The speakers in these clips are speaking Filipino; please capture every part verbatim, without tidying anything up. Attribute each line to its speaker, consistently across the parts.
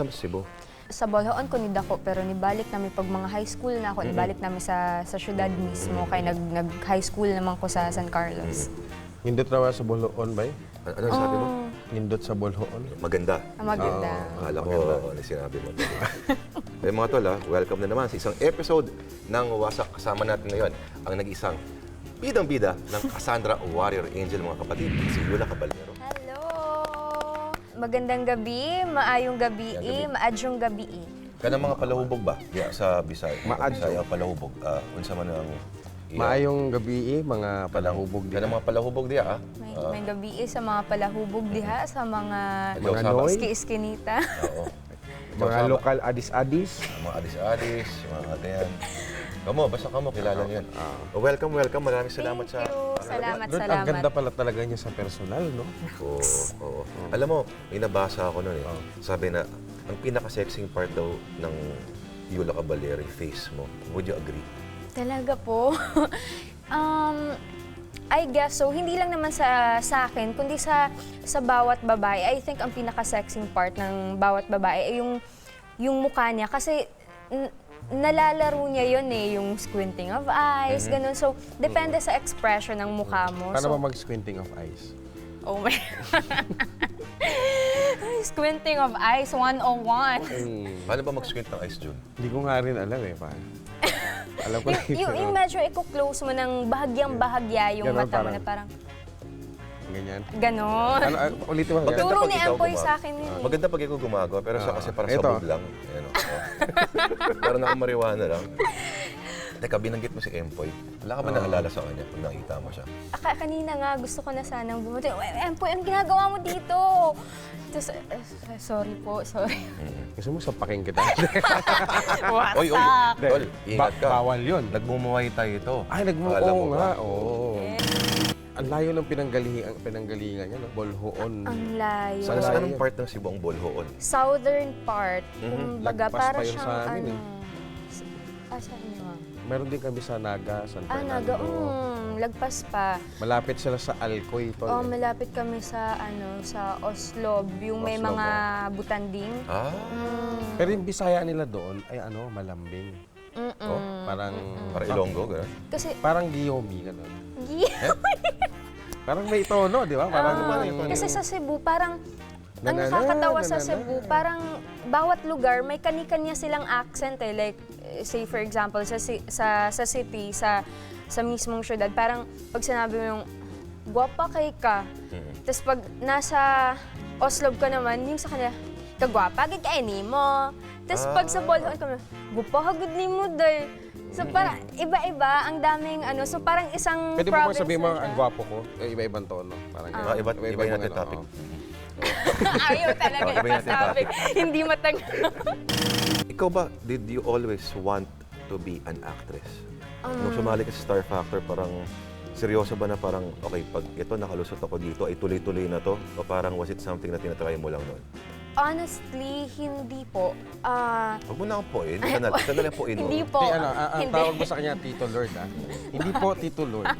Speaker 1: sa Cebu?
Speaker 2: Sa Bolhoon ko ni dako, pero nibalik namin pag mga high school na ako, nibalik namin sa sa syudad mismo, kaya nag, nag-high school naman ko sa San Carlos.
Speaker 3: Nindot raw sa Bolhoon ba?
Speaker 1: Ano, ano sabi mo?
Speaker 3: Nindot sa Bolhoon.
Speaker 1: Maganda.
Speaker 2: Ah, maganda.
Speaker 1: Akala ko, ano sinabi mo. Eh mga tol, ah, welcome na naman sa isang episode ng Wasak. Kasama natin ngayon ang nag-isang bidang-bida ng Cassandra Warrior Angel, mga kapatid, si Yula Caballero.
Speaker 2: Hello! Magandang gabi, maayong gabi,
Speaker 1: Gabi.
Speaker 2: maadyong gabi.
Speaker 1: Kana mga palahubog ba? Yeah, sa Bisaya.
Speaker 3: Maadyo.
Speaker 1: Bisaya palahubog. Uh, unsa man ang
Speaker 3: Maayong gabi, eh, mga palahubog
Speaker 1: Kana
Speaker 3: din.
Speaker 1: mga palahubog diya, ah.
Speaker 2: May,
Speaker 1: Ah,
Speaker 2: may gabi sa mga palahubog diha, sa mga
Speaker 1: Hello,
Speaker 3: Mga
Speaker 1: Saba.
Speaker 3: Noy.
Speaker 2: iski-iskinita.
Speaker 1: Oo.
Speaker 3: Mga
Speaker 1: Saba.
Speaker 3: lokal adis-adis.
Speaker 1: Mga adis-adis, mga ganyan. Kamo, basta kamo, kilala niyo yan. Welcome, welcome. Maraming salamat
Speaker 2: Thank
Speaker 1: sa...
Speaker 2: you. Salamat,
Speaker 3: Doon, ang
Speaker 2: salamat.
Speaker 3: ganda pala talaga niya sa personal, no?
Speaker 1: Oo, oo. Alam mo, may nabasa ako noon eh. Sabi na, ang pinaka-sexing part daw ng Yula Caballero, yung face mo. Would you agree?
Speaker 2: Talaga po. um, I guess so. Hindi lang naman sa sa akin, kundi sa sa bawat babae. I think ang pinaka-sexing part ng bawat babae ay yung yung mukha niya kasi n- nalalaro niya yun eh, yung squinting of eyes, ganun. So, depende sa expression ng mukha mo.
Speaker 3: Paano
Speaker 2: So,
Speaker 3: ba mag-squinting of eyes?
Speaker 2: oh my Squinting of eyes, one oh one.
Speaker 1: Paano ba mag-squint ng eyes, Jun?
Speaker 3: Hindi ko nga rin alam eh, pa. Alam ko
Speaker 2: yung, yung, yung medyo i-close mo ng bahagyang bahagya yung
Speaker 3: Ganon,
Speaker 2: mata mo
Speaker 3: parang-
Speaker 2: na parang
Speaker 3: Ganyan.
Speaker 2: ganon.
Speaker 3: Ano, ano, ulitin mo.
Speaker 1: Maganda
Speaker 2: Turo
Speaker 1: pag
Speaker 2: ni
Speaker 1: ikaw
Speaker 2: Ampoy
Speaker 1: gumagawa.
Speaker 2: sa akin yun eh.
Speaker 1: Maganda pag ikaw gumagawa, pero siya kasi parang
Speaker 3: Ito.
Speaker 1: sabog lang. Ayan, oh. Parang nakamariwana lang. Teka, binanggit mo si Empoy. Wala ka ba naalala sa kanya pag nakita mo siya?
Speaker 2: Aka, kanina nga, gusto ko na sanang bumuti. "Uy, Empoy, anong ginagawa mo dito? Tapos, eh, sorry po, sorry.
Speaker 3: Gusto mo sapakin kita?
Speaker 2: What's
Speaker 1: Oy, oy,
Speaker 2: up?
Speaker 1: tol, ingat ka.
Speaker 3: Bawal yun.
Speaker 1: Nagmumuhay tayo ito.
Speaker 3: Ay,
Speaker 1: Alam mo
Speaker 3: nagmuo
Speaker 1: ba?
Speaker 3: nga. Oo. Ang layo ng pinanggalingan, pinanggalingan niya, no? Bolhoon.
Speaker 2: Ang layo.
Speaker 1: Saan
Speaker 3: Sa
Speaker 1: sa
Speaker 3: layo.
Speaker 1: anong part ng Cebu ang Bolhoon?
Speaker 2: Southern part, kumbaga,
Speaker 3: Lagpas
Speaker 2: para
Speaker 3: pa yun
Speaker 2: siyang
Speaker 3: sa amin
Speaker 2: ano...
Speaker 3: eh.
Speaker 2: s- Ah, saan nyo ah?
Speaker 3: Meron din kami sa Naga, San
Speaker 2: Ah,
Speaker 3: Fernando.
Speaker 2: naga, mm, lagpas pa.
Speaker 3: Malapit sila sa Alcoy, tol.
Speaker 2: Oh,
Speaker 3: eh.
Speaker 2: malapit kami sa, ano, sa Oslob, yung may
Speaker 1: Oslob,
Speaker 2: mga butanding.
Speaker 1: Ah,
Speaker 2: Mm,
Speaker 3: Pero yung Bisaya nila doon ay ano, malambing.
Speaker 2: mm-mm.
Speaker 1: Oh,
Speaker 3: Parang
Speaker 1: para Ilonggo, gano'n?
Speaker 2: Kasi,
Speaker 3: parang Giyomi ganun.
Speaker 2: yeah.
Speaker 3: Parang may tono, di ba? Parang
Speaker 2: Ah,
Speaker 3: parang-
Speaker 2: kasi sa Cebu, parang ang
Speaker 3: Nanana,
Speaker 2: nakakatawa sa
Speaker 3: nanana.
Speaker 2: Cebu, parang bawat lugar may kani-kanya silang accent eh. Like, eh, say for example, sa ci- sa sa city, sa sa mismong syudad, parang pag sinabi mo yung gwapa kay ka, tapos pag nasa Oslob ka naman, yung sa kanya, kagwapa, gid kay ni mo. Tapos pag sa Bolhoon ka, gwapa hagud ni mo day. So parang iba-iba, ang daming ano, so parang isang
Speaker 3: Pwede mo ba
Speaker 2: province
Speaker 3: sabihin mo
Speaker 2: na
Speaker 3: ang
Speaker 2: siya.
Speaker 3: gwapo ko? Eh, iba-ibang tono. Parang
Speaker 1: Ah,
Speaker 3: ganun.
Speaker 1: iba- iba
Speaker 3: Iba-ibang
Speaker 1: yung natin
Speaker 3: ano,
Speaker 1: topic.
Speaker 3: oo.
Speaker 2: Ayaw talaga
Speaker 1: Oh, iba yung
Speaker 2: ipasabi. Hindi matag...
Speaker 1: Ikaw ba, did you always want to be an actress? Nung sumali ka sa Star Factor, parang seryoso ba na parang, okay, pag ito nakalusot ako dito, ay tuloy-tuloy na to? O parang was it something na tinatry mo lang noon?
Speaker 2: Honestly, hindi po. Ah,
Speaker 1: Huwag mo na akong poin. Sandali, sandali ang poin mo.
Speaker 2: hindi po.
Speaker 3: Ti, ano, ang, ang
Speaker 2: hindi.
Speaker 3: tawag mo sa kanya, Tito Lord, ah. Hindi po, Tito Lord.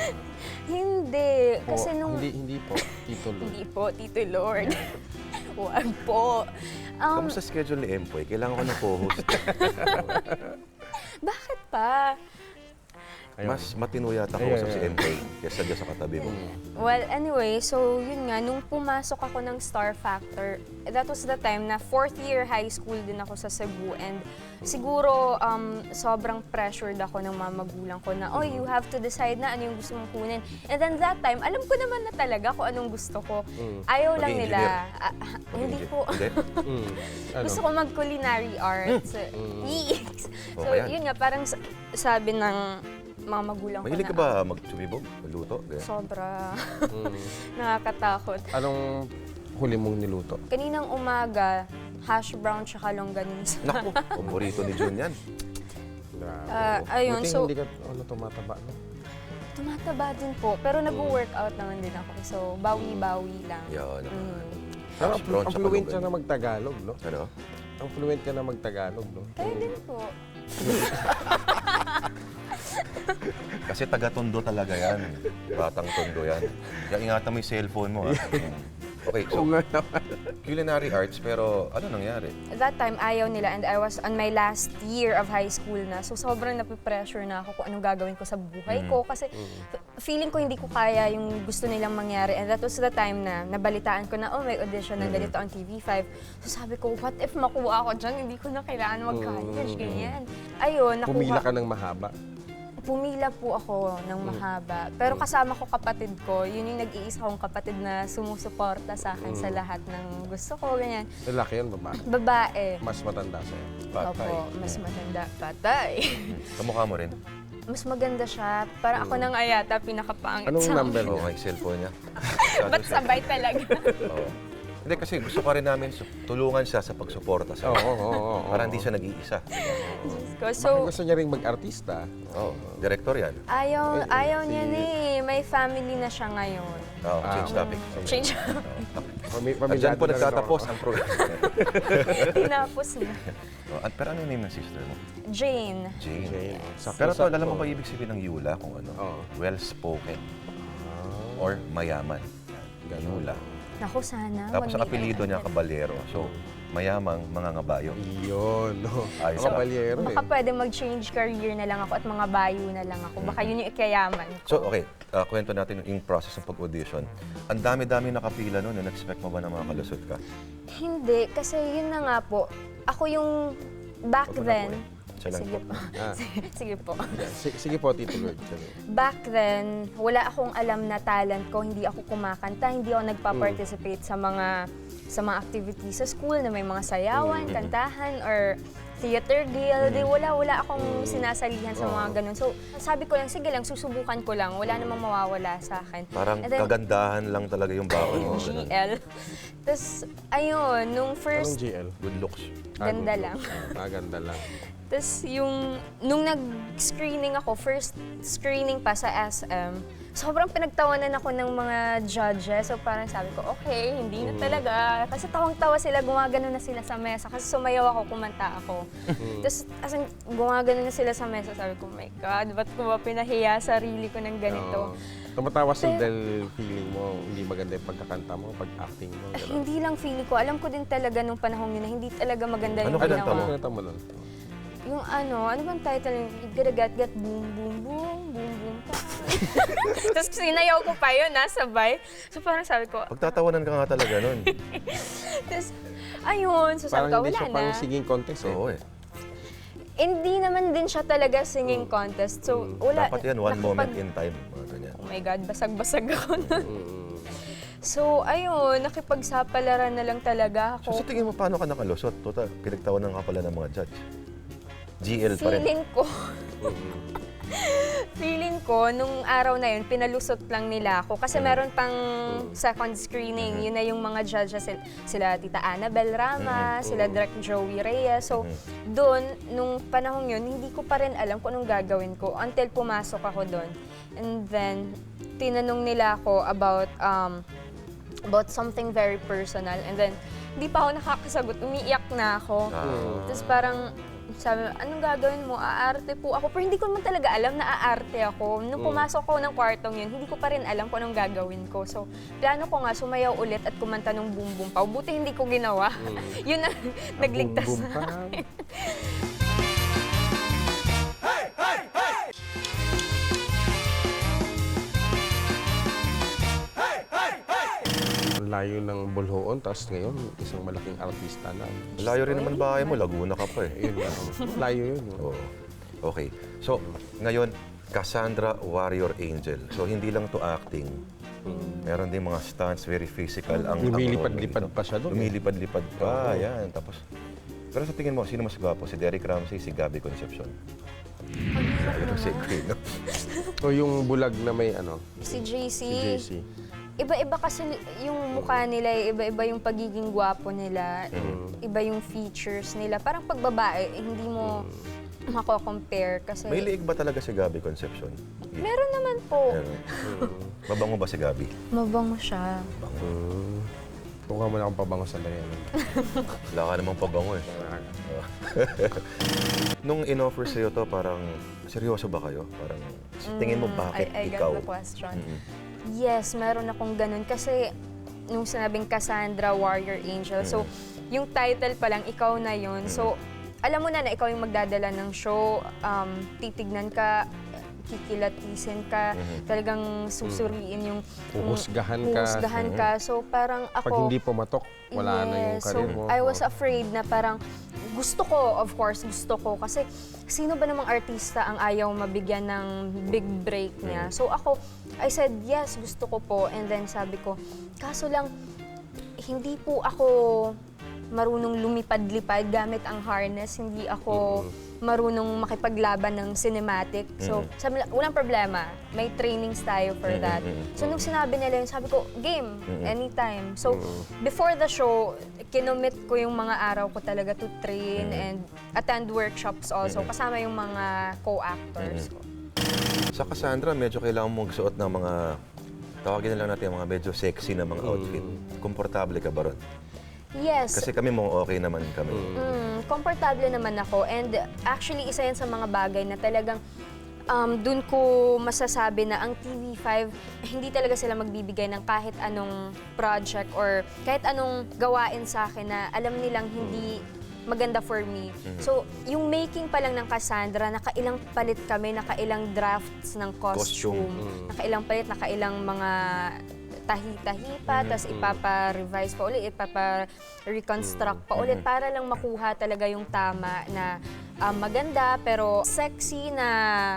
Speaker 2: Hindi.
Speaker 3: Po,
Speaker 2: Kasi nung...
Speaker 3: Hindi, hindi po, Tito Lord.
Speaker 2: Hindi po, Tito Lord. Huwag po. Um,
Speaker 1: Kamusta schedule ni Empoy? Kailangan ko ng co-host.
Speaker 2: bakit pa?
Speaker 3: Ayun.
Speaker 1: Mas matino yata
Speaker 3: Ayun,
Speaker 1: kausap si
Speaker 3: ayun.
Speaker 1: Empoy kaysa dyan sa katabi mo.
Speaker 2: Well, anyway, so yun nga, nung pumasok ako ng Star Factor, that was the time na fourth year high school din ako sa Cebu and siguro um, sobrang pressured ako ng mga magulang ko na, oh, you have to decide na ano yung gusto mong kunin. And then that time, alam ko naman na talaga kung anong gusto ko. Ayaw lang
Speaker 1: Maging
Speaker 2: nila.
Speaker 1: engineer.
Speaker 2: Ah, ah, hindi
Speaker 1: Hindi.
Speaker 2: po.
Speaker 1: Hindi?
Speaker 3: Mm. Ano?
Speaker 2: Gusto ko mag-culinary arts. Yes. So,
Speaker 1: Okay yan.
Speaker 2: yun nga, parang sa- sabi ng mga magulang ko
Speaker 1: Mahilig ka
Speaker 2: na,
Speaker 1: ba mag-sumibog? Magluto? Ganyan.
Speaker 2: sobra
Speaker 3: Mm.
Speaker 2: nakakatakot.
Speaker 3: Anong huli mong niluto?
Speaker 2: Kaninang umaga, hash brown tsaka longganisa.
Speaker 1: Naku, paborito ni Jun yan.
Speaker 3: Grabe.
Speaker 2: Ah, ayun,
Speaker 3: Buti
Speaker 2: so-
Speaker 3: hindi ka ano, tumataba, no?
Speaker 2: Tumataba din po, pero
Speaker 1: Mm.
Speaker 2: nag-workout naman din ako. So, bawi-bawi lang.
Speaker 1: Yan.
Speaker 2: Mm.
Speaker 3: Pero
Speaker 1: Hash brown
Speaker 3: ang
Speaker 1: tsaka
Speaker 3: fluent ka
Speaker 1: longganisa.
Speaker 3: na magtagalog, no?
Speaker 1: Ano?
Speaker 3: Ang fluent ka na magtagalog, no?
Speaker 2: Kayo din po.
Speaker 1: Kasi taga-tondo talaga yan. Batang tondo yan. Kaya ingatan mo yung cellphone mo, ha? Okay, so
Speaker 3: Oo nga naman.
Speaker 1: culinary arts, pero ano nangyari?
Speaker 2: That time, ayaw nila and I was on my last year of high school na. So sobrang napipressure na ako kung anong gagawin ko sa buhay ko. Kasi f- feeling ko hindi ko kaya yung gusto nilang mangyari. And that was the time na nabalitaan ko na, oh, may audition ng ganito on T V five. So sabi ko, what if makuha ako dyan? Hindi ko na kailangan mag-college, ganyan. Ayun, nakuha.
Speaker 3: Pumila ka ng mahaba.
Speaker 2: Pumila po ako ng mahaba. Pero kasama ko kapatid ko. Yun yung nag-iisa kong kapatid na sumusuporta sa akin sa lahat ng gusto ko, ganyan.
Speaker 3: Lalaki yun, babae.
Speaker 2: Babae.
Speaker 3: Mas matanda sa'yo.
Speaker 1: Patay.
Speaker 2: Opo, mas matanda. Patay.
Speaker 1: Kamukha mo rin?
Speaker 2: Mas maganda siya. Para ako na nga yata pinakapangit
Speaker 3: Anong
Speaker 2: sa
Speaker 3: number
Speaker 1: Oo,
Speaker 3: niya?
Speaker 1: may cellphone niya.
Speaker 2: Ba't sabay talaga?
Speaker 1: Oo. Hindi, kasi gusto ka rin namin su- tulungan siya sa pagsuporta sa
Speaker 3: Oo, oo, oo, oo.
Speaker 1: para hindi siya nag-iisa.
Speaker 2: Ko.
Speaker 3: Baka
Speaker 2: So,
Speaker 3: gusto niya rin mag-artista.
Speaker 1: Oo, director yan.
Speaker 2: ayaw,
Speaker 3: Eh,
Speaker 2: ayaw
Speaker 3: si-
Speaker 2: niya na eh. May family na siya ngayon.
Speaker 1: Oo,
Speaker 3: Ah,
Speaker 1: change topic.
Speaker 2: Change.
Speaker 3: Pami-
Speaker 1: At
Speaker 3: pamilyado
Speaker 1: dyan po
Speaker 3: na rin
Speaker 1: nagtatapos
Speaker 3: ako.
Speaker 1: ang program.
Speaker 2: Tinapos niya.
Speaker 1: Oh, at pero ano yung name ng sister mo?
Speaker 2: Jane.
Speaker 1: Jane.
Speaker 3: Jane. Sakto,
Speaker 1: Pero to,
Speaker 3: sakto.
Speaker 1: alam mo ba ibig sabihin ng Yula kung ano?
Speaker 3: Oo.
Speaker 1: Well-spoken
Speaker 3: Ah,
Speaker 1: or mayaman.
Speaker 3: ganun.
Speaker 1: Yula.
Speaker 2: Naku, sana.
Speaker 1: Tapos ang
Speaker 2: wag may
Speaker 1: apelido niya,
Speaker 2: ano.
Speaker 1: Caballero. So, mayamang mga ngabayo.
Speaker 3: Iyon, no?
Speaker 1: Ayos
Speaker 3: Mga
Speaker 1: lang.
Speaker 3: balyero eh.
Speaker 2: Baka pwede mag-change career na lang ako at mga bayo na lang ako. Baka yun yung ikayaman ko.
Speaker 1: So, okay, ah, kwento natin yung process ng pag-audition. Ang dami-dami nakapila noon. Na-expect mo ba na makalusot ka?
Speaker 2: Hindi, kasi yun na nga po. Ako yung back
Speaker 1: Wag mo na
Speaker 2: then.
Speaker 1: po eh. Siya lang
Speaker 2: Sige
Speaker 1: po.
Speaker 2: po.
Speaker 3: Ah.
Speaker 2: Sige po.
Speaker 3: Yeah, si- Sige po, Tito Lord. Sabi.
Speaker 2: Back then, wala akong alam na talent ko. Hindi ako kumakanta. Hindi ako nagpa-participate sa mga sa mga activities sa school na may mga sayawan, kantahan, or theater guild. Eh, wala, wala akong sinasalihan sa mga ganun. So, sabi ko lang, sige lang, susubukan ko lang. Wala namang mawawala sa akin.
Speaker 1: Parang
Speaker 2: And then,
Speaker 1: kagandahan lang talaga yung baon mo. ganun.
Speaker 2: G L. Tapos, ayun, nung
Speaker 3: Anong
Speaker 2: first,
Speaker 3: G L?
Speaker 1: Good looks.
Speaker 2: ganda
Speaker 3: Ah,
Speaker 2: lang.
Speaker 3: Ah, ganda lang.
Speaker 2: Tapos yung, nung nag-screening ako, first screening pa sa S M, sobrang pinagtawanan ako ng mga judges. So parang sabi ko, okay, hindi na talaga. Kasi tawang-tawa sila, gumagano na sila sa mesa. Kasi sumayaw ako, kumanta ako. Tapos as in, gumagano na sila sa mesa. Sabi ko, oh my God, ba't ko ba pinahiya sarili ko ng ganito?
Speaker 3: Oo. Tumatawa sila
Speaker 2: Pero-
Speaker 3: dahil feeling mo hindi maganda yung pagkakanta mo, pag-acting mo.
Speaker 2: Eh,
Speaker 3: Gano'n.
Speaker 2: hindi lang feeling ko. Alam ko din talaga nung panahon yun na hindi talaga maganda
Speaker 1: Ano
Speaker 2: yung
Speaker 1: kinanta
Speaker 2: ginawa.
Speaker 1: mo?
Speaker 3: Ano kinanta mo nun?
Speaker 2: Yung ano, ano bang title yung Gadagat Gat Boom Boom Boom Boom Boom Pa. Tapos sinayaw ko pa yun, nasabay. So parang sabi ko,
Speaker 1: Pagtatawanan ka nga talaga nun.
Speaker 2: tapos ayun, so sabi
Speaker 3: Parang
Speaker 2: ko,
Speaker 3: hindi
Speaker 2: wala
Speaker 3: siya
Speaker 2: na.
Speaker 3: pang singing contest eh.
Speaker 1: Oo eh.
Speaker 2: Hindi naman din siya talaga singing contest. So wala.
Speaker 1: Dapat yan, one
Speaker 2: nakapag-
Speaker 1: moment in time. Mga ganyan.
Speaker 2: Oh my God, basag-basag ako nun.
Speaker 3: Mm.
Speaker 2: So ayun, nakipagsapalaran na lang talaga
Speaker 1: So
Speaker 2: ako.
Speaker 1: sa tingin mo, paano ka nakalusot? Total, pinagtawanan ka pala ng mga judge. G L pa rin.
Speaker 2: Feeling ko,
Speaker 3: Mm.
Speaker 2: feeling ko, nung araw na yun, pinalusot lang nila ako. Kasi meron pang second
Speaker 1: Mm-hmm.
Speaker 2: screening. Yun na yung mga judges, sila, sila Tita Annabel Rama,
Speaker 1: Mm-hmm.
Speaker 2: sila Direk Joey Reyes. So, doon, nung panahon yun, hindi ko pa rin alam kung anong gagawin ko until pumasok ako doon. And then, tinanong nila ako about um, about something very personal. And then, hindi pa ako nakakasagot. Umiiyak na ako.
Speaker 1: Ah.
Speaker 2: Tapos parang, sabi, anong gagawin mo? Aarte po ako. Pero hindi ko naman talaga alam na aarte ako. Nung pumasok ko ng kwartong yun, hindi ko pa rin alam kung anong gagawin ko. So, plano ko nga sumayaw ulit at kumanta ng Boom Boom Pa. Buti hindi ko ginawa. Yun ang nagligtas
Speaker 3: Boom, boom,
Speaker 2: na.
Speaker 3: pam. Ang layo ng bulhoon, tapos ngayon, isang malaking artista na.
Speaker 1: Layo rin naman bahay mo, Laguna ka pa eh.
Speaker 3: Yun lang. Layo yun. no?
Speaker 1: Oo. Okay. So, ngayon, Cassandra Warrior Angel. So, hindi lang to acting. Meron din mga stunts, very physical. Ang ang
Speaker 3: Lumilipad-lipad
Speaker 1: role mo
Speaker 3: pa siya doon, eh.
Speaker 1: Lumilipad-lipad pa,
Speaker 3: Oo.
Speaker 1: yan. Tapos, pero sa tingin mo, sino mas gwapo? Si Derek Ramsey, si Gabby Concepcion? Ayun ang secret, no?
Speaker 3: O yung bulag na may ano,
Speaker 2: Si J C.
Speaker 3: si J C.
Speaker 2: Iba-iba kasi yung mukha nila, eh, iba-iba yung pagiging gwapo nila, iba yung features nila. Parang pag babae, eh, hindi mo mako-compare kasi...
Speaker 1: May liig ba talaga si Gabby Concepcion?
Speaker 2: Meron naman po.
Speaker 1: Meron. Mabango ba si Gabby?
Speaker 2: Mabango siya.
Speaker 3: Hmm. Kuha mo na akong pabango sa layan.
Speaker 1: Wala ka namang pabango eh. Nung in-offer sa'yo to, parang seryoso ba kayo? Parang tingin mo bakit
Speaker 2: I, I
Speaker 1: ikaw?
Speaker 2: got the question.
Speaker 1: Mm-mm.
Speaker 2: Yes, meron akong ganun. Kasi nung sinabing Cassandra, Warrior Angel. So, yung title pa lang, ikaw na yun. So, alam mo na na ikaw yung magdadala ng show, um, titignan ka, kikilatisin ka, talagang susuriin yung...
Speaker 3: Huhusgahan ka.
Speaker 2: Huhusgahan ka. So, parang ako...
Speaker 3: Pag hindi pumatok, wala na yung
Speaker 2: Yes.
Speaker 3: career
Speaker 2: So,
Speaker 3: mo.
Speaker 2: I was afraid na parang gusto ko, of course, gusto ko. Kasi sino ba namang artista ang ayaw mabigyan ng big break niya? So ako, I said, yes, gusto ko po. And then sabi ko, kaso lang, hindi po ako marunong lumipad-lipad gamit ang harness. Hindi ako marunong makipaglaban ng cinematic. So, sabi nila, walang problema. May trainings tayo for that. So, nung sinabi nila yun, sabi ko, game, anytime. So, before the show, kinomit ko yung mga araw ko talaga to train and attend workshops also, kasama yung mga co-actors ko.
Speaker 1: Sa Cassandra, medyo kailangan mong suot ng mga, tawagin na lang natin, mga medyo sexy na mga outfit. Komportable ka ba ron?
Speaker 2: Yes.
Speaker 1: Kasi kami mo okay naman kami.
Speaker 2: Mm, komportable naman ako. And actually, isa yan sa mga bagay na talagang um, dun ko masasabi na ang T V five, hindi talaga sila magbibigay ng kahit anong project or kahit anong gawain sa akin na alam nilang hindi maganda for me. So, yung making pa lang ng Cassandra, nakailang palit kami, nakailang drafts ng costume,
Speaker 1: Costume.
Speaker 2: nakailang palit, nakailang mga tahi-tahi pa, tapos ipapa-revise pa ulit, ipapa-reconstruct pa ulit para lang makuha talaga yung tama na um, maganda pero sexy na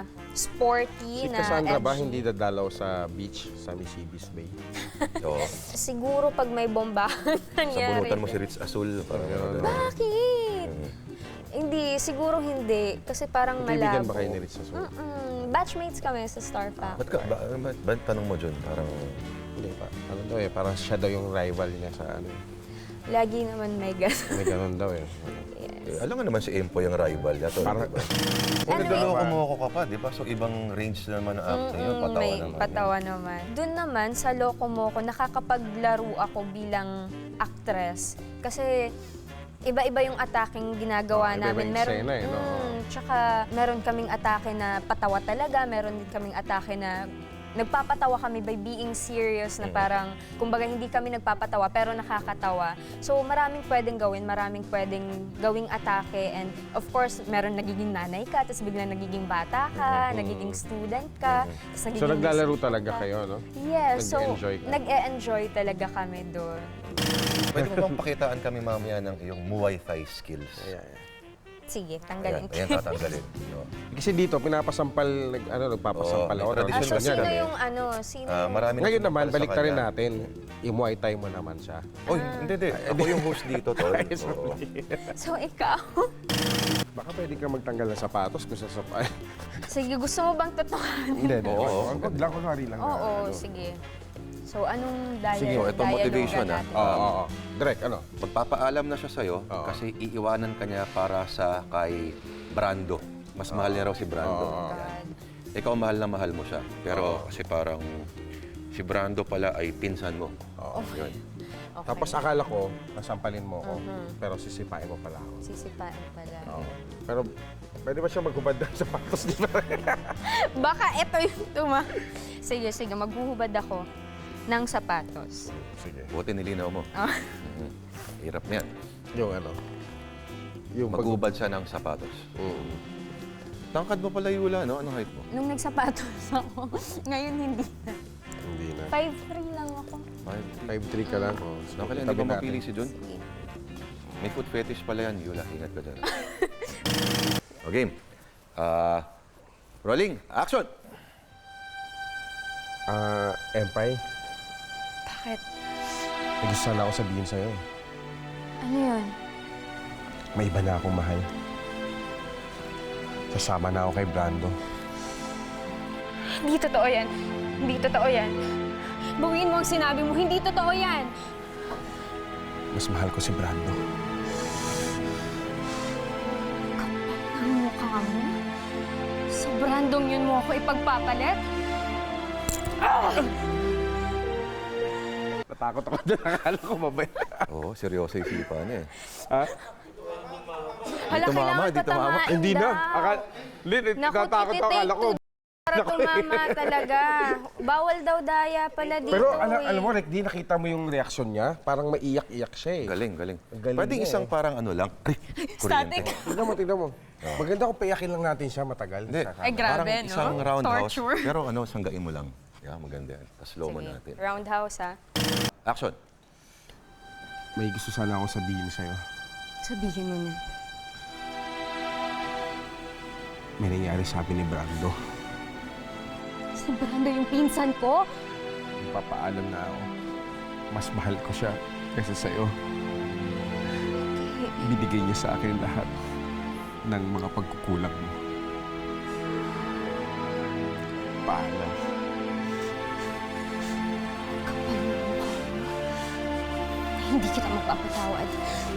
Speaker 2: sporty
Speaker 3: Si
Speaker 2: na
Speaker 3: Cassandra ba
Speaker 2: edgy.
Speaker 3: hindi dadalaw sa beach, sa Nisibis Bay?
Speaker 1: Oo.
Speaker 2: Siguro pag may bomba nangyari.
Speaker 1: Sabunutan mo si Ritz Azul. Parang gano'n.
Speaker 2: Bakit? Hindi, siguro hindi. Kasi parang
Speaker 3: Kaibigan
Speaker 2: malabo.
Speaker 3: ba kayo ni Ritz Azul?
Speaker 2: Mm-mm. Batchmates kami sa Star Factor.
Speaker 1: Ba't ka, ba, ba, ba, tanong mo dyan? Parang,
Speaker 3: Hindi pa. Ano daw eh, parang siya daw yung rival niya sa ano.
Speaker 2: Lagi naman may gas.
Speaker 3: May ganun daw eh.
Speaker 1: eh, alam nga naman si Empo yung rival. Yato,
Speaker 3: Parang-
Speaker 1: diba? Kung nagdaloko mo ako ka pa, di ba? So, ibang range naman ng acting yun.
Speaker 2: Mm,
Speaker 1: Patawa
Speaker 2: may
Speaker 1: naman.
Speaker 2: patawa naman. Doon naman, sa Loko Moco, nakakapaglaro ako bilang actress. Kasi iba-iba yung ataking ginagawa
Speaker 3: Oh, iba-iba
Speaker 2: namin.
Speaker 3: yung eksena eh, no?
Speaker 2: Mm, tsaka meron kaming atake na patawa talaga, meron din kaming atake na nagpapatawa kami by being serious na parang, kumbaga hindi kami nagpapatawa pero nakakatawa. So maraming pwedeng gawin, maraming pwedeng gawing atake and of course, meron nagiging nanay ka, tapos biglang nagiging bata ka, nagiging student ka, tapos nagiging...
Speaker 3: So naglalaro
Speaker 2: miss
Speaker 3: talaga
Speaker 2: ka.
Speaker 3: kayo, no?
Speaker 2: Yes, so
Speaker 3: Nag-e-enjoy ka?
Speaker 2: nag-e-enjoy talaga kami doon.
Speaker 1: Pwede mo bang pakitaan kami mamaya ng iyong Muay Thai skills?
Speaker 3: Ayan, ayan.
Speaker 2: Sige,
Speaker 1: Ayan,
Speaker 2: tanggalin
Speaker 1: ayan
Speaker 2: ko.
Speaker 1: tatanggalin. No.
Speaker 3: Kasi dito, pinapasampal, nag, ano, nagpapasampal
Speaker 1: Oo,
Speaker 3: ako.
Speaker 1: may tradition
Speaker 2: So,
Speaker 1: kasi
Speaker 2: sino
Speaker 1: kami.
Speaker 2: yung ano, sino?
Speaker 1: Ah, marami na
Speaker 3: Ngayon
Speaker 1: sumapal
Speaker 3: naman,
Speaker 1: sa
Speaker 3: balik na rin
Speaker 1: kanya.
Speaker 3: natin. I-Muay Thai mo naman siya.
Speaker 1: Oh, hindi, hindi. Ako yung host dito, Tol. Oo.
Speaker 2: So, ikaw?
Speaker 3: Baka pwede ka magtanggal ng sapatos kung sasapay.
Speaker 2: Sige, gusto mo bang totohanin?
Speaker 3: Hindi, hindi.
Speaker 1: Oo, oo.
Speaker 3: Wag lang, kunwari lang. na,
Speaker 2: Oo,
Speaker 3: ano.
Speaker 2: sige. So, anong dialogue?
Speaker 1: Sige, ito
Speaker 2: dialogue
Speaker 1: motivation,
Speaker 2: na
Speaker 1: ah.
Speaker 2: natin?
Speaker 3: Oo, oo, oo. Direct, ano?
Speaker 1: Magpapaalam na siya sa'yo
Speaker 3: Oo.
Speaker 1: kasi iiwanan ka niya para sa kay Brando. Mas mahal niya raw si Brando.
Speaker 3: Oo.
Speaker 1: Yan. Ikaw mahal na mahal mo siya. Pero kasi parang si Brando pala ay pinsan mo.
Speaker 3: Oo.
Speaker 1: Yun.
Speaker 2: Okay.
Speaker 3: Tapos akala ko, nasampalin mo ako, pero sisipain mo pala ako.
Speaker 2: Sisipain pala.
Speaker 3: Oo. Pero pwede ba siya maghubad ng sapatos? Di ba?
Speaker 2: Baka ito yung tuma. Sige, sige, maghuhubad ako ng sapatos.
Speaker 3: Sige.
Speaker 1: Buti nilinaw mo.
Speaker 2: Ah.
Speaker 1: Mhm. Hirap na yan.
Speaker 3: Yung ano? Yung pag-
Speaker 1: Magubad siya ng sapatos.
Speaker 3: Mm.
Speaker 1: Tangkad mo pala, Yula, no? Anong height mo?
Speaker 2: Nung nagsapatos ako, ngayon hindi na.
Speaker 3: Hindi na.
Speaker 2: five three lang ako.
Speaker 1: Five.
Speaker 3: five three ka lang. Oh.
Speaker 1: No, kailan, hindi
Speaker 3: Tabi
Speaker 1: ba
Speaker 3: natin.
Speaker 1: mapili si Jun?
Speaker 2: Sige.
Speaker 1: May food fetish pala yan, Yula. Ingat ka dyan. Okay. Ah, rolling. Action!
Speaker 3: Ah, Empay,
Speaker 2: Bakit?
Speaker 3: may gusto sana ako sabihin sa'yo. eh.
Speaker 2: Ano yun?
Speaker 3: May iba na akong mahal. Sasama na ako kay Brando.
Speaker 2: Hindi totoo yan. Hindi totoo yan. Bawiin mo ang sinabi mo. Hindi totoo yan.
Speaker 3: Mas mahal ko si Brando.
Speaker 2: Ang mukha mo? Sa brandong yun mo ako ipagpapalit?
Speaker 3: Natakot ako doon. Akala ko mabay.
Speaker 1: Oo, seryoso yung sipa niya eh.
Speaker 3: Ha?
Speaker 2: Hala,
Speaker 1: tumama,
Speaker 2: kailangan
Speaker 1: di tumama.
Speaker 2: patamain
Speaker 3: Hindi na.
Speaker 2: daw.
Speaker 3: Akala, hindi,
Speaker 2: Naku,
Speaker 3: natakot ako.
Speaker 2: tititake
Speaker 3: Akala ko,
Speaker 2: to para tumama talaga. Bawal daw daya pala dito
Speaker 3: Pero alam,
Speaker 2: eh.
Speaker 3: alam mo, Rick, di nakita mo yung reaksyon niya? Parang maiyak-iyak siya eh.
Speaker 1: Galing, galing.
Speaker 3: Galing
Speaker 1: Pwedeng
Speaker 3: niya
Speaker 1: isang
Speaker 3: eh.
Speaker 1: parang ano lang. Ay,
Speaker 2: Static.
Speaker 1: kuryente.
Speaker 3: Tignan mo, tignan mo. Maganda kung paiyakin lang natin siya matagal.
Speaker 1: Hindi.
Speaker 3: Sa
Speaker 2: Ay,
Speaker 3: camera.
Speaker 2: grabe,
Speaker 1: Parang
Speaker 2: no?
Speaker 1: isang roundhouse.
Speaker 2: Torture.
Speaker 1: Pero ano, sanggain mo lang. Yeah, maganda yan. Tapos slow mo
Speaker 2: Sige,
Speaker 1: natin.
Speaker 2: roundhouse ha.
Speaker 1: Action.
Speaker 3: May gusto sana akong sabihin sa'yo.
Speaker 2: Sabihin mo na.
Speaker 3: May nangyari sa akin ni Brando.
Speaker 2: Si Brando yung pinsan ko?
Speaker 3: Papaalam na ako. Mas mahal ko siya kaysa sa'yo. Binigay niya sa akin lahat ng mga pagkukulang mo. Paalam.
Speaker 2: Kapal mo mukha mo. Hindi kita magpapatawad.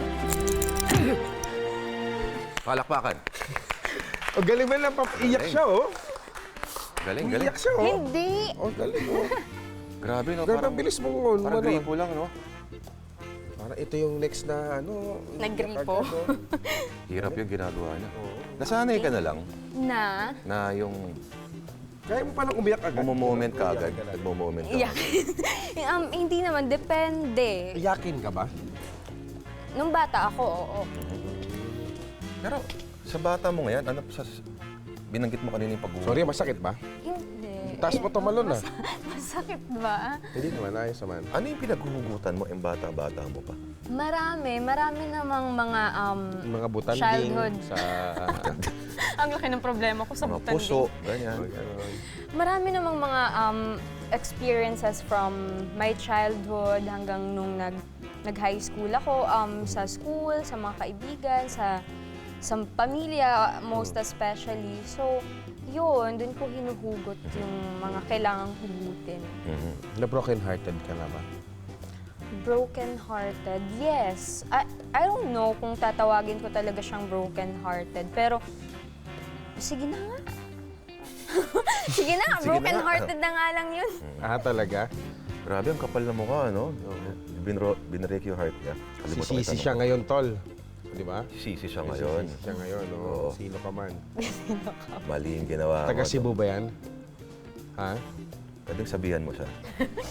Speaker 1: Palakpakan.
Speaker 3: O, galing ba lang papaiyak
Speaker 1: Galing.
Speaker 3: siya, oh?
Speaker 1: Galing, galing.
Speaker 3: Iyak siya, oh.
Speaker 2: Hindi.
Speaker 3: Oh, galing, oh.
Speaker 1: Grabe, no?
Speaker 3: Grabe,
Speaker 1: Parang,
Speaker 3: ang bilis mong, oh,
Speaker 1: parang
Speaker 3: ano,
Speaker 1: gripo lang, no?
Speaker 3: Parang ito yung next na, ano...
Speaker 2: Naggripo.
Speaker 3: agad, oh.
Speaker 1: Hirap yung ginagawa niya. Nasanay ka na lang
Speaker 2: Na?
Speaker 1: na yung
Speaker 3: Kaya mo palang umiyak agad.
Speaker 1: mumoment ka agad.
Speaker 3: Iyak
Speaker 1: Nagmo-moment ka.
Speaker 2: Iyak. um, hindi naman, depende.
Speaker 3: Iyakin ka ba?
Speaker 2: Nung bata ako, oo.
Speaker 1: Pero sa bata mo ngayon, ano sa binanggit mo kanina yung pag
Speaker 3: Sorry, masakit ba?
Speaker 2: Hindi.
Speaker 3: Taas mo tumalon, ah.
Speaker 2: Masakit ba?
Speaker 3: Hindi naman, ayos naman.
Speaker 1: Ano yung pinaghuhugutan mo yung bata-bata mo pa?
Speaker 2: Marami. Marami namang mga um,
Speaker 3: Mga butanding
Speaker 2: childhood.
Speaker 3: sa...
Speaker 2: Ang laki ng problema ko sa
Speaker 1: Mga
Speaker 2: butanding.
Speaker 1: puso, ganyan.
Speaker 3: Ganon.
Speaker 2: Marami namang mga um, experiences from my childhood hanggang nung nag, nag-high school ako, um, sa school, sa mga kaibigan, sa, sa pamilya, most especially. So, yun, dun ko hinuhugot yung mga kailangang hugutin.
Speaker 1: Mhm.
Speaker 3: Na broken-hearted ka na ba?
Speaker 2: Broken-hearted, yes. I, I don't know kung tatawagin ko talaga siyang broken-hearted, pero sige na nga. sige na,
Speaker 1: Sige na
Speaker 2: broken-hearted na nga lang yun.
Speaker 3: Ah, talaga?
Speaker 1: Grabe, ang kapal na mukha, no? Binro, binrake yung heart niya. Kalimutan ko
Speaker 3: Sisisi
Speaker 1: itanong.
Speaker 3: siya ngayon, tol. Di ba?
Speaker 1: Sisi siya ngayon.
Speaker 3: Sisisi siya ngayon, no?
Speaker 1: Oo.
Speaker 3: Sino ka man.
Speaker 1: Mali yung ginawa
Speaker 3: Taga
Speaker 1: ko.
Speaker 3: Cebu ba yan? Ha?
Speaker 1: Pwedeng sabihan mo siya.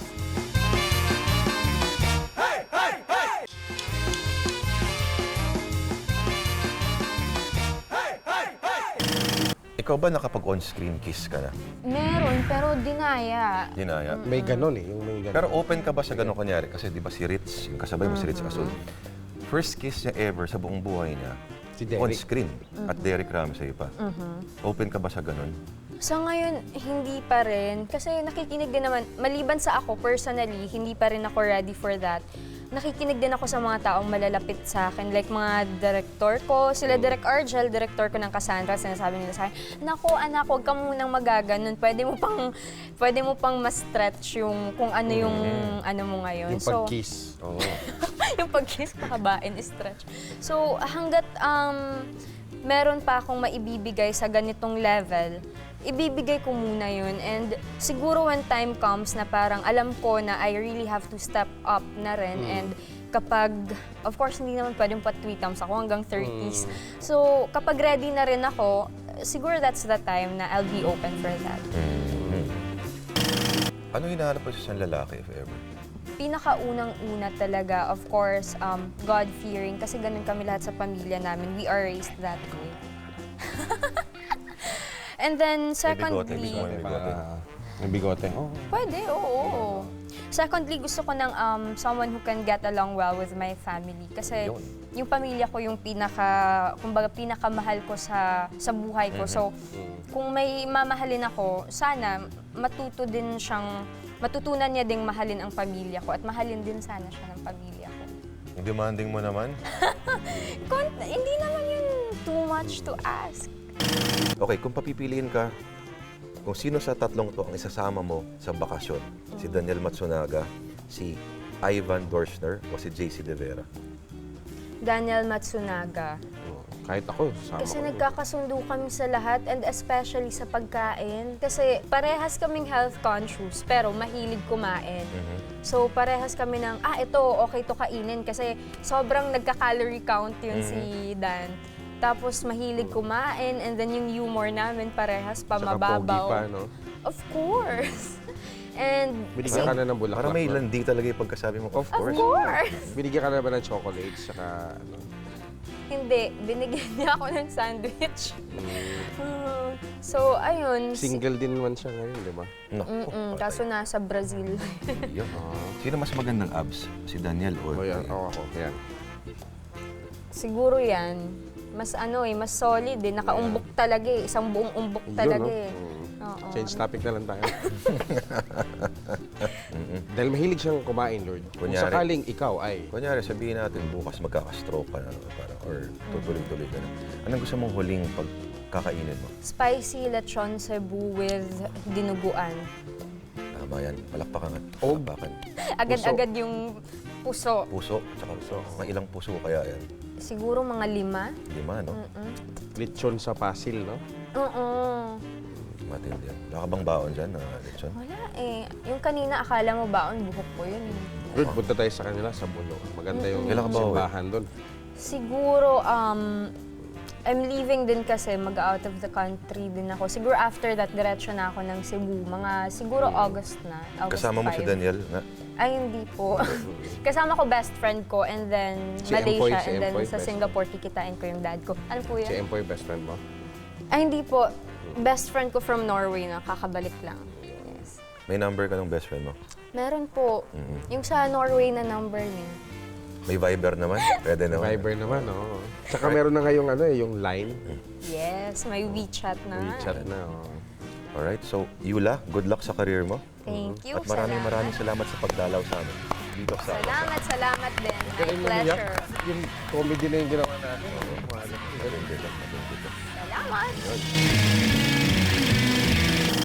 Speaker 1: Ikaw ba nakapag on-screen kiss ka na?
Speaker 2: Meron, pero dinaya.
Speaker 1: Dinaya.
Speaker 3: May ganon eh, yung may ganon.
Speaker 1: Pero open ka ba sa gano'ng kunyari? Kasi di ba si Ritz, yung kasabay mo si Ritz Asul, first kiss niya ever sa buong buhay niya,
Speaker 3: Si Derek.
Speaker 1: on-screen, at Derek Ramsey pa. Open ka ba sa gano'n?
Speaker 2: Sa ngayon, hindi pa rin. Kasi nakikinig din naman, maliban sa ako personally, hindi pa rin ako ready for that. Nakikinig din ako sa mga taong malalapit sa akin, like mga director ko, sila Direk Argel, director ko ng Cassandra, sinasabi nila sa akin, "Nako anak, huwag ka munang magaganon. Pwede mo pang pwede mo pang ma-stretch yung kung ano yung ano mo ngayon."
Speaker 3: Yung pag-kiss. Oo.
Speaker 2: yung pag-kiss, pakabain, stretch. So, hanggat um, meron pa akong maibibigay sa ganitong level, ibibigay ko muna yun. And siguro when time comes na parang alam ko na I really have to step up na rin. And kapag, of course, hindi naman pwedeng pa three times ako hanggang thirties. So, kapag ready na rin ako, siguro that's the time na I'll be open for that.
Speaker 1: Ano hinahanap mo sa isang lalaki, if ever?
Speaker 2: Pinakaunang-una talaga, of course, um, God-fearing. Kasi ganun kami lahat sa pamilya namin. We are raised that way. And then, secondly...
Speaker 1: May bigote, may bigote.
Speaker 3: Ah, May bigote. Oh.
Speaker 2: Pwede, oo. Secondly, gusto ko ng um, someone who can get along well with my family. Kasi
Speaker 1: Yun.
Speaker 2: yung pamilya ko yung pinaka, kumbaga, pinakamahal ko sa, sa buhay ko. So, kung may mamahalin ako, sana matuto din siyang, matutunan niya ding mahalin ang pamilya ko at mahalin din sana siya ng pamilya ko.
Speaker 1: Yung demanding mo naman?
Speaker 2: Kon- hindi naman yun too much to ask.
Speaker 1: Okay, kung papipiliin ka, kung sino sa tatlong to ang isasama mo sa bakasyon, si Daniel Matsunaga, si Ivan Dorschner, o si J C De Vera?
Speaker 2: Daniel Matsunaga.
Speaker 3: Oh. Kahit ako, sama
Speaker 2: Kasi
Speaker 3: ko.
Speaker 2: nagkakasundo kami sa lahat and especially sa pagkain. Kasi parehas kaming health conscious pero mahilig kumain. So parehas kami ng, ah ito okay to kainin kasi sobrang nagka-calorie count yun si Dan. Tapos mahilig kumain, and then yung humor namin parehas pa
Speaker 3: Tsaka
Speaker 2: mababaw.
Speaker 3: pogi pa, no?
Speaker 2: Of course. And
Speaker 3: Binigyan ka na ng bulaklak.
Speaker 1: Parang may
Speaker 3: no?
Speaker 1: landi talaga yung pagkasabi mo.
Speaker 3: Of
Speaker 2: of
Speaker 3: course.
Speaker 2: course.
Speaker 3: Binigyan ka na ba ng chocolates? Saka, ano?
Speaker 2: Hindi, binigyan niya ako ng sandwich. Hmm, so, ayun. si-
Speaker 3: Single din naman siya ngayon, di ba?
Speaker 1: Naku,
Speaker 2: Mm-mm, kaso nasa Brazil.
Speaker 1: yun. Sino mas magandang abs? Si Daniel
Speaker 3: O
Speaker 1: or...
Speaker 3: yan, ako ako. Yan.
Speaker 2: Siguro yan. Mas ano eh, mas solid eh. Nakaumbok talaga eh. Isang buong umbok
Speaker 3: Yun,
Speaker 2: talaga
Speaker 3: no?
Speaker 2: eh.
Speaker 3: Mm.
Speaker 2: Oo.
Speaker 3: Change topic na lang tayo. Dahil mahilig siyang kumain, Lord. Kung
Speaker 1: Kunyari.
Speaker 3: sakaling ikaw ay...
Speaker 1: Kunyari, sabihin natin, bukas magkaka-stroke ka na, parang, or tutuloy-tuloy ka na. Anong gusto mong huling pagkakainin mo?
Speaker 2: Spicy lechon Cebu with dinuguan.
Speaker 1: Tama yan, palakpakan at
Speaker 3: Og.
Speaker 1: palakpakan.
Speaker 2: Agad-agad yung puso.
Speaker 1: Puso, tsaka puso. Mga ilang puso kaya yan?
Speaker 2: Siguro mga lima.
Speaker 1: Lima, no?
Speaker 2: Mm-mm.
Speaker 3: Lechon sa pasil, no?
Speaker 2: Oo.
Speaker 1: Matindi yan. Wala ka bang baon dyan, na lechon?
Speaker 2: Wala eh. Yung kanina akala mo baon, buhok ko yun. eh.
Speaker 3: Lord, punta tayo sa kanila sa Bulo. Maganda yung
Speaker 1: Kailan ka ba uwi?
Speaker 3: simbahan doon.
Speaker 2: Siguro, um, I'm leaving din kasi mag-out of the country din ako. Siguro after that, diretso na ako ng Cebu. Mga siguro August na. August
Speaker 1: Kasama mo si
Speaker 2: five.
Speaker 1: Daniel na
Speaker 2: Ay, hindi po. Kasama ko best friend ko and then
Speaker 3: Si Empoy,
Speaker 2: Malaysia
Speaker 3: si
Speaker 2: and then
Speaker 3: Empoy,
Speaker 2: sa
Speaker 3: best
Speaker 2: Singapore kikitain ko yung dad ko. Ano po
Speaker 3: Si
Speaker 2: yan?
Speaker 3: Empoy, best friend mo.
Speaker 2: Ay, hindi po. Best friend ko from Norway na kakabalik lang. Yes.
Speaker 1: may number ka ng best friend mo.
Speaker 2: Meron po. Yung sa Norway na number niya.
Speaker 1: May Viber naman. Pwede naman.
Speaker 3: Viber naman, oo. Tsaka meron na ngayong ano, eh, yung line.
Speaker 2: Yes, may WeChat na.
Speaker 3: WeChat na, oo.
Speaker 1: Alright, so Yula, good luck sa career mo.
Speaker 2: Thank you.
Speaker 1: At maraming
Speaker 2: salamat.
Speaker 1: maraming salamat sa pagdalaw sa amin. Dito sa
Speaker 2: Salamat, salamat din. My
Speaker 3: Galing mo niyak.
Speaker 2: pleasure.
Speaker 3: Yung comedy na yung ginawa natin. Oo, mahal.
Speaker 1: Matindi ka, matindi ka.
Speaker 2: Salamat.